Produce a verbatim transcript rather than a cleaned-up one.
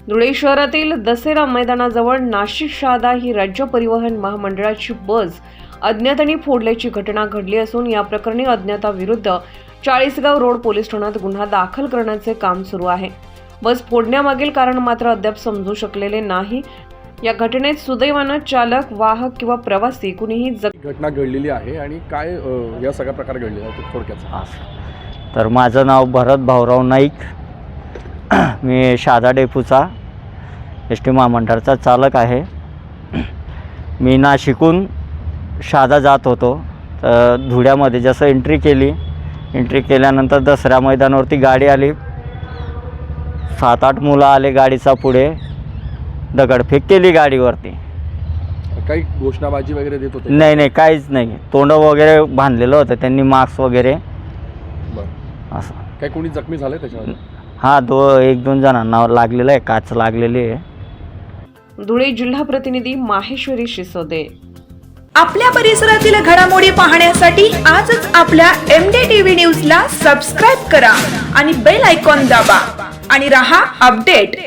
धुळे शहरातील दसेरा मैदानाजवळ नाशिक शहादा ही राज्य परिवहन महामंडळाची बस अज्ञातांनी फोडल्याची घटना घडली असून या प्रकरणी अज्ञाताविरुद्ध चाळीसगाव रोड पोलीस ठाण्यात गुन्हा दाखल करण्याचे काम सुरू आहे। बस फोडण्यामागील कारण मात्र अद्याप समजू शकलेले नाही। या घटनेत सुदैवाने चालक, वाहक किंवा प्रवासी कुणीही घटना घडलेली आहे आणि काय या सगळ्या प्रकार घडलेला आहे थोडक्यात। तर माझं नाव भरत भाऊराव नाईक, मी शहादा डेपोचा एस टी महामंडळाचा चालक आहे। मी नाशिकहून शहादा जात होतो, तर धुळ्यामध्ये जसं एंट्री केली एंट्री केल्यानंतर दसऱ्या मैदानावरती गाडी आली। सात आठ मुलं आले गाडीचा पुढे, दगडफेक केली गाडीवरती। काही घोषणाबाजी वगैरे देत होते? नाही नाही, काहीच नाही। तोंड वगैरे बांधलेलं होतं त्यांनी, मास्क वगैरे असं। काही कोणी जखमी झाले त्याच्यावर? हां, दो एक दोन जणांना लागलेलं आहे, काच लागलेली आहे। धुळे जिल्हा प्रतिनिधी माहेश्वरी शिसोदे। आपल्या परिसरातील घडामोडी पाहण्यासाठी आजच आपल्या एम डी टीव्ही न्यूजला सबस्क्राईब करा आणि बेल आयकॉन दाबा आणि रहा अपडेट।